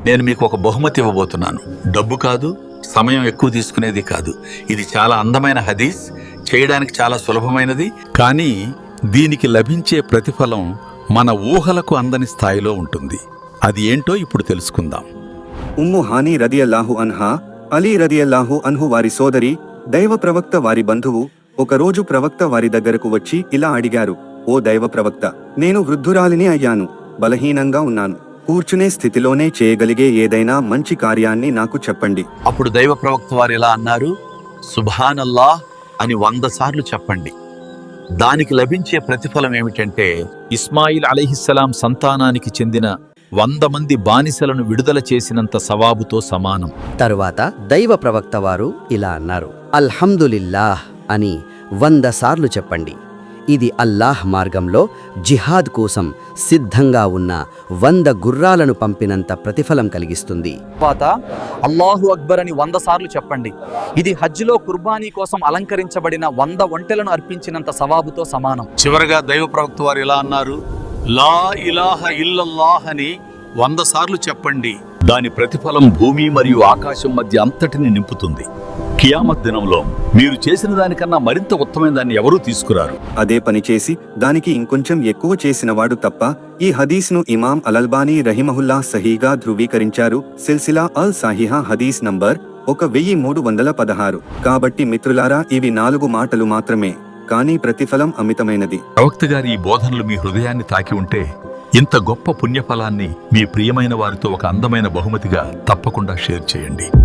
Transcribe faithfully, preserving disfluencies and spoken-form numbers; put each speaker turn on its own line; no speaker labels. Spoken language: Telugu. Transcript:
నేను మీకు ఒక బహుమతి ఇవ్వబోతున్నాను. డబ్బు కాదు, సమయం ఎక్కువ తీసుకునేది కాదు. ఇది చాలా అందమైన హదీస్, చేయడానికి చాలా సులభమైనది. కానీ దీనికి లభించే ప్రతిఫలం మన ఊహలకు అందని స్థాయిలో ఉంటుంది. అది ఏంటో ఇప్పుడు తెలుసుకుందాం.
ఉమ్ము హానీ రదియల్లాహు అన్హా, అలీ రదియల్లాహు అన్హు వారి సోదరి, దైవ ప్రవక్త వారి బంధువు, ఒకరోజు ప్రవక్త వారి దగ్గరకు వచ్చి ఇలా అడిగారు: ఓ దైవ ప్రవక్త, నేను వృద్ధురాలిని అయ్యాను, బలహీనంగా ఉన్నాను. కూర్చునే స్థితిలోనే చేయగలిగే ఏదైనా మంచి కార్యాన్ని నాకు చెప్పండి.
అప్పుడు దైవ ప్రవక్త వారు ఇలా అన్నారు: సుబ్హానల్లాహ్ అని వంద సార్లు చెప్పండి. దానికి లభించే ప్రతిఫలం ఏమిటంటే,
ఇస్మాయిల్ అలైహిస్సలాం సంతానానికి చెందిన వంద మంది బానిసలను విడుదల చేసినంత సవాబుతో సమానం.
తరువాత దైవ ప్రవక్త వారు ఇలా అన్నారు: అల్హమ్దులిల్లాహ్ అని వంద సార్లు చెప్పండి. ఇది అల్లాహ్ మార్గంలో జిహాద్ కోసం సిద్ధంగా ఉన్న వంద గుర్రాలను పంపినంత ప్రతిఫలం కలిగిస్తుంది.
తర్వాత అల్లాహు అక్బర్ అని వంద సార్లు చెప్పండి. ఇది హజ్లో కుర్బానీ కోసం అలంకరించబడిన వంద ఒంటెలను అర్పించినంత సవాబుతో సమానం.
చివరగా దైవ ప్రవక్త వారు ఇలా అన్నారు: లా ఇలాహ ఇల్లల్లాహ్ అని వంద సార్లు చెప్పండి. దాని ప్రతిఫలం భూమి మరియు ఆకాశం మధ్య అంతటిని నింపుతుంది. కియామత్ దినంలో మీరు చేసిన దానికన్నా మరింత ఉత్తమైన దాన్ని ఎవరూ తీసుకురారు.
అదే పని చేసి దానికి ఇంకొంచెం ఎక్కువ చేసినవాడు తప్ప. ఈ హదీస్ను ఇమాం అలల్బానీ రహిమహుల్లా సహీగా ధృవీకరించారు. సిల్సిలా అల్ సాహిహా హదీస్ నంబర్ ఒక వెయ్యి మూడు వందల పదహారు. కాబట్టి మిత్రులారా, ఇవి నాలుగు మాటలు మాత్రమే, కానీ ప్రతిఫలం అమితమైనది.
ప్రవక్త గారి ఈ బోధనలు మీ హృదయాన్ని తాకి ఉంటే, ఇంత గొప్ప పుణ్యఫలాన్ని మీ ప్రియమైన వారితో ఒక అందమైన బహుమతిగా తప్పకుండా షేర్ చేయండి.